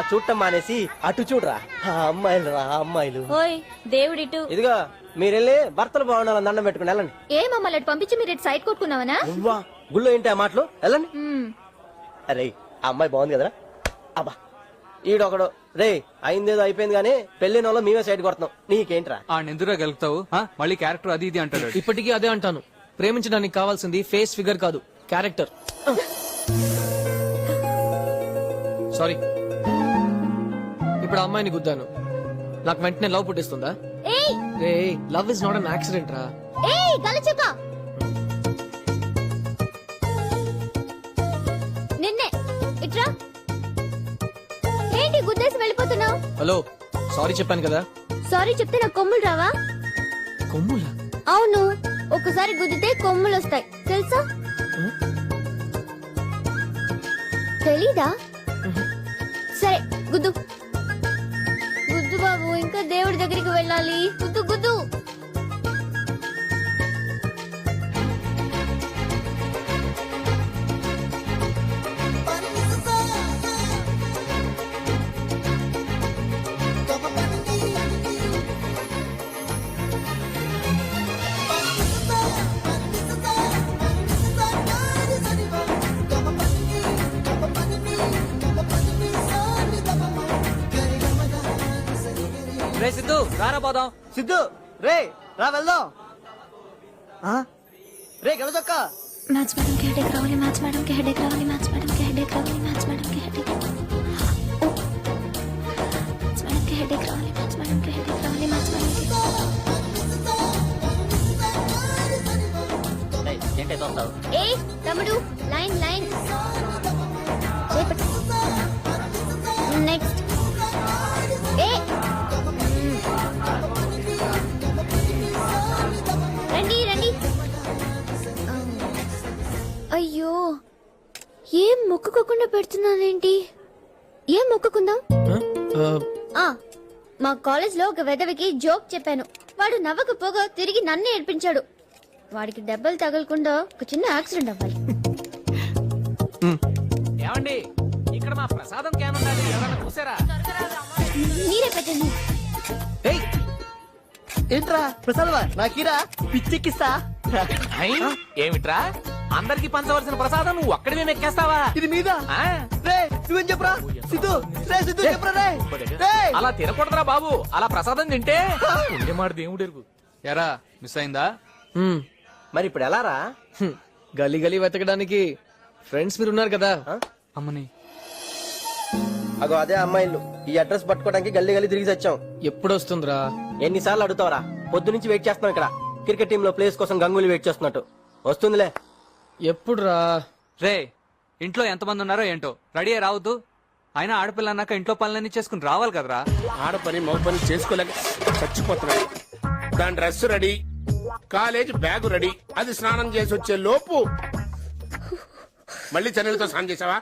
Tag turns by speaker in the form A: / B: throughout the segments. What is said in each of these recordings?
A: చూడటం మానేసి అటు చూడరా, ఆ అమ్మాయిలు రా అమ్మాయిలు.
B: ఓయ్ దేవుడిటు.
A: ఇదిగో మీరెళ్ళి భర్తలు బాగుండాలని దండం పెట్టుకుని వెళ్ళండి.
B: ఏ మమ్మల్ని అటు పంపించి మీరు ఇటు సైడ్ కొట్టుకున్నావనా?
A: నువ్వా గుళ్ళో ఏంటి ఆ మాటలు? వెళ్ళండి. అరే ఆ అమ్మాయి బాగుంది కదరా. అబ్బా ఈడొకడు రే అయిందేదో అయిపోయింది గానీ పెళ్లిన వాళ్ళు మేమే సైడ్ కొడుతున్నాం. నీకేంట్రా?
C: ఎందుకురా గెలుపుతావు? మళ్ళీ క్యారెక్టర్ అది ఇది అంటాడు.
D: ఇప్పటికీ అదే అంటాను, ప్రేమించడానికి కావాల్సింది ఫేస్ ఫిగర్ కాదు, క్యారెక్టర్. సారీ, ఇప్పుడు ఆ అమ్మాయిని గుద్దాను, నాకు వెంటనే లవ్ పుట్టిస్తుందా? రే love is not an accident రా.
B: నిన్నే ఇట్రా. ఏంటి గుద్దేసి వెళ్ళిపోతున్నావు?
D: హలో, సారీ చెప్పాను కదా.
B: సారీ చెప్తే నాకు కొమ్ములు రావా?
D: కొమ్ములా?
B: అవును, ఒక్కసారి గుద్దితే కొమ్ములు వస్తాయి తెలుసా? తెలీదా? సరే గుద్దు గుద్దు బాబు, ఇంకా దేవుడి దగ్గరికి వెళ్ళాలి. గుద్దు గుద్దు.
C: రే సిద్ధు రారా పోదాం.
A: సిద్ధు రే రా వెళ్దాం. రే గెలచొక్క.
B: మ్యాచ్ మేడం కి హెడేక్ రావాలి, మ్యాచ్ మేడం కి హెడేక్ రావాలి, మ్యాచ్ మేడం కి హెడేక్ రావాలి, మ్యాచ్ మేడం కి హెడేక్ రావాలి, మ్యాచ్ మేడం కి హెడేక్ రావాలి, మ్యాచ్ మేడం కి.
A: ఏంటే చూస్తావు?
B: ఏ తమ్ముడు లైన్ లైన్ నెక్స్ట్. ఏ రండి రండి. అయ్యో ఏం మొక్కుకోకుండా పెడుతున్నానేంటి? ఏం మొక్కుకుందాం? మా కాలేజ్ లో ఒక వెదవికి జోక్ చెప్పాను, వాడు నవ్వకపోగా తిరిగి నన్ను ఏడ్పించాడు. వాడికి దెబ్బలు తగలకుండా ఒక చిన్న యాక్సిడెంట్ అవ్వాలి.
C: ఏమండి ఇక్కడ మా ప్రసాదం క్యాన్ ఉండాలి, ఎవరైనా చూసారా?
B: మీరే పెట్టండి.
A: ఏంట్రా ప్రసాదమా? నాకీరా పిచ్చెక్కిస్తా.
C: ఏమిట్రా అందరికి పంచవలసిన ప్రసాదం నువ్వు ఒక్కడిమే మెక్కేస్తావా?
A: ఇది మీద రే నువ్వేం చెప్పరా? సిద్ధు రే సిద్ధు చెప్పరా రే.
C: అలా తినకూడదురా బాబు, అలా ప్రసాదం తింటే ఉండే మాట దేవుడు ఎరుగు. ఎరా మిస్ అయిందా?
A: మరి ఇప్పుడు ఎలా రా?
D: గలీ గలీ వెతకడానికి ఫ్రెండ్స్ మీరు ఉన్నారు కదా.
C: అమ్మని
A: అగో అదే అమ్మాయిలు. ఈ అడ్రస్ పట్టుకోవడానికి గల్లీ గల్లీ తిరిగి వచ్చాం.
D: ఎప్పుడు వస్తుందిరా?
A: ఎన్నిసార్లు అడుగుతావరా? పొద్దు నుంచి వెయిట్ చేస్తున్నాం ఇక్కడ. క్రికెట్ టీమ్ లో ప్లేస్ కోసం గంగూలీ వెయిట్ చేస్తున్నట్టు. వస్తుందిలే.
D: ఎప్పుడు రా?
C: రే ఇంట్లో ఎంతమంది ఉన్నారో ఏంటో రెడీ అయి రావద్దు. అయినా ఆడపిల్ల అన్నాక ఇంట్లో పనులన్నీ చేసుకుని రావాలి కదరా.
E: ఆడపని మగ పని చేసుకోలేక చచ్చిపోతున్నాడు. దాని dress ready, college bag ready. అది స్నానం చేసి వచ్చే లోపు మళ్ళీ చన్నీళ్ళతో స్నానం చేసావా?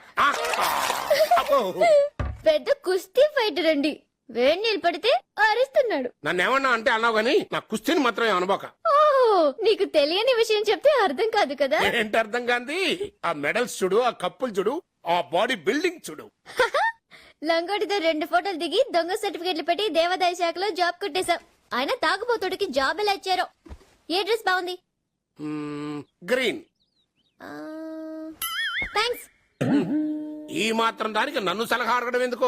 B: పెద్ద కుస్తీ ఫైటర్ అండి. వేడి నీళ్ళు పడితే అరుస్తున్నాడు.
E: నన్ను ఏమన్నా అంటే అన్నావు గానీ నా కుస్తీని మాత్రం అనుకోక.
B: ఓహో, నీకు తెలియని విషయం చెప్తే అర్థం కాదు కదా.
E: ఏంటి అర్థం కాంది? ఆ మెడల్స్ చూడు, ఆ కప్పులు చూడు, ఆ బాడీ బిల్డింగ్ చూడు.
B: లంగోటితో 2 ఫోటోలు దిగి దొంగ సర్టిఫికెట్లు పెట్టి దేవాదాయ శాఖలో జాబ్ కొట్టేశాం. ఆయన తాగుబోతుడికి జాబ్ ఎలా ఇచ్చారో. ఏ డ్రెస్ బాగుంది?
E: గ్రీన్.
B: థ్యాంక్స్.
E: ఈ మాత్రం దానికి నన్ను సలహా అడగడం ఎందుకో.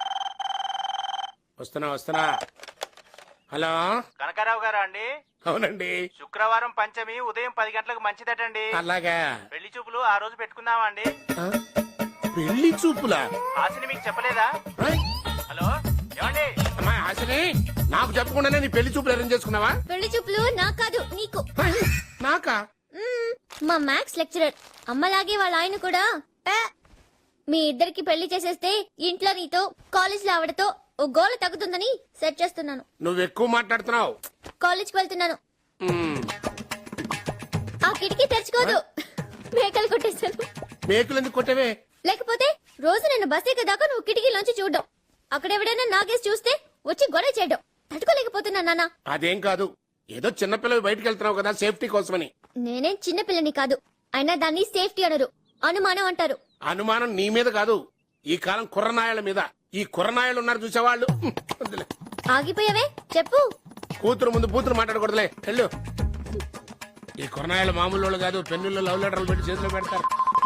E: వస్తున్నా. హలో
F: కనకారావు గారా అండి?
E: అవునండి.
F: శుక్రవారం పంచమి ఉదయం 10 గంటలకు మంచిదటండి.
E: అలాగా.
F: పెళ్లి చూపులు ఆ రోజు పెట్టుకుందామా అండి?
E: పెళ్లి చూపులా?
F: ఆశని మీకు చెప్పలేదా? హలో ఏమండి?
E: అమ్మాయి ఆశని నాకు చెప్పకుండానే నీ పెళ్లి చూపులు అరేంజ్ చేసుకున్నావా?
B: పెళ్లి చూపులు నాకు కాదు, నీకు.
E: నాకా?
B: మా మ్యాథ్స్ లెక్చరర్ అమ్మలాగే వాళ్ళ ఆయన కూడా మీ ఇద్దరికి పెళ్లి చేసేస్తే ఇంట్లో నీతో కాలేజ్ లో ఆవిడతో ఓ గోల తగ్గుతుందని సెట్ చేస్తున్నాను.
E: నువ్వు ఎక్కువ మాట్లాడుతున్నావు.
B: కాలేజ్ కి వెళ్తున్నాను. ఆ కిటికీ తెరుచుకోదు. మేకలు కొట్టేశాను.
E: మేకులు ఎందుకు కొట్టేవే?
B: లేకపోతే రోజు నేను బస్ ఎక్కదాకా నువ్వు కిటికీలోంచి చూడడం, అక్కడ ఎవడైనా నాగేసి చూస్తే వచ్చి గొడవ చేయడం తట్టుకోలేకపోతున్నా నాన్న.
E: అదేం కాదు, ఏదో చిన్నపిల్లవి బయటకు వెళ్తున్నావు కదా సేఫ్టీ కోసమని.
B: నేనేం చిన్నపిల్లని కాదు, అయినా దాన్ని సేఫ్టీ అనరు, అనుమానం అంటారు.
E: అనుమానం నీ మీద కాదు, ఈ కాలం కుర్రనాయాల మీద. ఈ కుర్రనాయలు ఉన్నారు చూసేవాళ్ళు వద్దులే.
B: ఆగిపోయావే చెప్పు.
E: కూతురు ముందు కూతురు మాట్లాడకూడదులే వెళ్ళు. ఈ కుర్రనాయలు మామూలు వాళ్ళు కాదు, పెన్నుల్లో లవ్ లెటర్లు పెట్టి చేతిలో పెడతారు.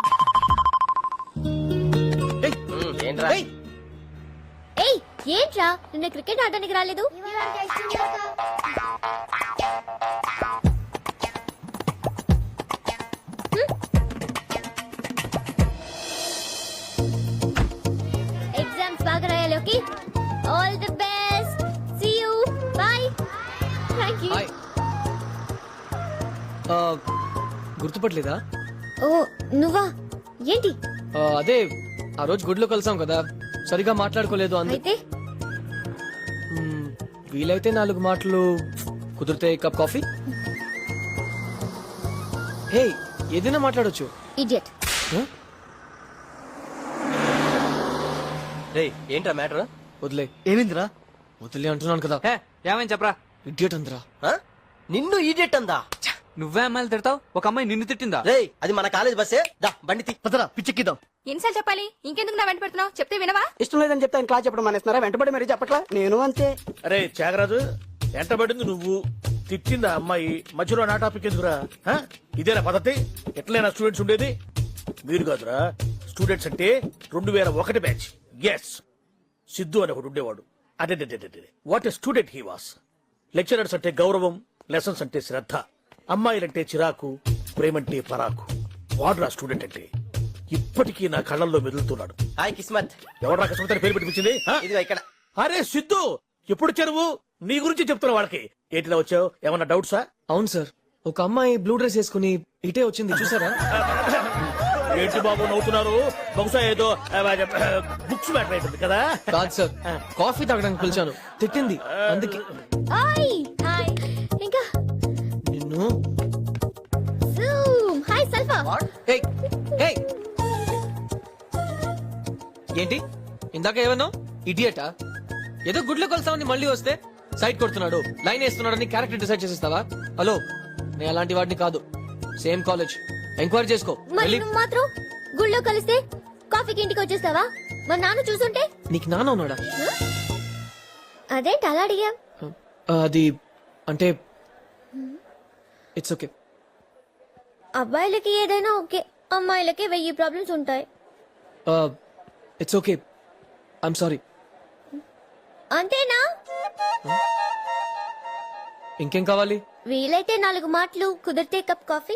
A: ఏంట్రా
B: ఏయ్ ఏంట్రా నిన్న క్రికెట్ ఆడడానికి రాలేదు? ఎగ్జామ్స్ బాగా రాయాలి. Okay, all the best. See you, bye. Thank you.
D: Hi గుర్తుపట్టలేదా?
B: ఓ నువ్వా? ఏంటి
D: అదే ఆ రోజు గుడిలో కలిసాం కదా, సరిగా మాట్లాడుకోలేదు అందు
B: అయితే?
D: వీలైతే 4 మాటలు, కుదిరితే కప్ కాఫీ. హే ఏదైనా మాట్లాడొచ్చు.
B: ఇడియట్.
A: రే ఏంట్రా మ్యాటర్?
D: వదిలే.
A: ఏమిందిరా?
D: వదిలే అంటున్నాను కదా.
C: హే ఏమని చెప్పరా?
D: ఇడియట్ అందరా.
A: నిన్ను ఈడియట్ అందా?
C: నువ్వే అమ్మాయిలు తిడతావు, ఒక అమ్మాయి నిన్ను తిట్టిందా?
A: రే అది మన కాలేజ్ బస్సే. దా బండి తీ, పదరా పిచ్చెక్కిద్దాం.
G: ఎన్నిసార్లు చెప్పాలి? ఇంకెందుకు నా వెంట పెడుతున్నావు? చెప్తే వినవా?
H: ఇష్టం లేదని చెప్తే ఆయన క్లాస్ చెప్పడం మానేస్తున్నారా? వెంటబడి మరీ చెప్పట్లా? నేను అంతే.
I: అరే త్యాగరాజు, ఎంటబడింది నువ్వు, తిట్టింది ఆ అమ్మాయి, మధ్యలో నా టాపిక్ ఎందుకురా? ఆ? ఇదేనా పద్ధతి? ఎట్లైనా స్టూడెంట్స్ ఉండేది? మీరు కాదురా, స్టూడెంట్స్ అంటే 2001 బ్యాచ్. ఎస్, సిద్ధు అని ఒకడు ఉండేవాడు. అదే what a student he was. Lecturers అంటే గౌరవం, లెసన్స్ అంటే శ్రద్ధ, అమ్మాయిలంటే చిరాకు, ప్రేమంటే పరాకు. వాడురా స్టూడెంట్ అంటే. ఇప్పటికీ నా కళ్ళల్లో మెదులుతున్నాడు.
A: హాయ్ కిస్మత్.
I: ఎవరు కష్టపడితే పేరు పెట్టించింది?
A: ఇదిగో ఇక్కడ.
I: అరే సిద్ధు, ఎప్పుడు చెరువు నీ గురించి చెప్తున్నా వాళ్ళకి. ఏంటిలా వచ్చావు? ఏమన్నా డౌట్సా?
D: అవును సార్, ఒక అమ్మాయి బ్లూ డ్రెస్ వేసుకుని ఇటే వచ్చింది, చూసారా?
I: ఏంటి బాబు నవ్వుతున్నారు? బహుశా ఏదో బుక్స్ మ్యాటర్ అవుతుంది కదా.
D: కాదు సార్, కాఫీ తాగడానికి పిలిచాను, తిట్టింది అందుకే.
B: Hi hi. ఇంకా
D: నిన్ను
B: జూమ్. Hi sulpha.
D: ఏయ్, ఏయ్. ఏంటి ఇందాక ఏమన్నా ఇడియటా? ఏదో గుడ్లో కొలుస్తామని మళ్ళీ వస్తే సైట్ కొడుతున్నాడు, లైన్ వేస్తున్నాడని క్యారెక్టర్ డిసైడ్ చేసేస్తావా? హలో, నేను అలాంటి వాడిని కాదు. సేమ్ కాలేజ్, ఎంక్వైరీ చేసుకో.
B: మరి
D: వెళ్ళి.
B: నువ్వు మాత్రం గుళ్ళో కలిస్తే కాఫీకి ఇంటికి వచ్చేస్తావా? మా నాన్న చూసుంటే?
D: నీకు నాన్న ఉన్నాడా?
B: అదేంటి అలా అడిగా?
D: అది అంటే ఇట్స్ ఓకే.
B: అబ్బాయిలకి ఏదైనా ఓకే, అమ్మాయిలకి 1000 ప్రాబ్లమ్స్ ఉంటాయి.
D: It's okay, I'm sorry.
B: అంతేనా?
D: ఇంకేం కావాలి?
B: వీలైతే 4 మాటలు, కుదిరితే కప్ కాఫీ.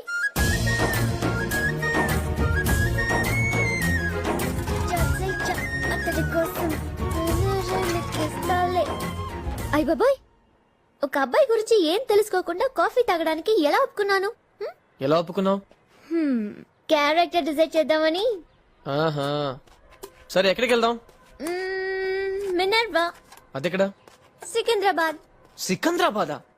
B: అయ్ బాబాయ్, ఒక అబ్బాయి గురించి ఏం తెలుసుకోకుండా కాఫీ తాగడానికి ఎలా ఒప్పుకున్నాను?
D: ఎలా ఒప్పుకున్నావు?
B: క్యారెక్టర్ డిసైడ్ చేద్దామని.
D: ఆహా, సరే ఎక్కడికి వెళ్దాం?
B: మినర్వా.
D: అదెక్కడ?
B: సికింద్రాబాద్.
D: సికంద్రాబాదా?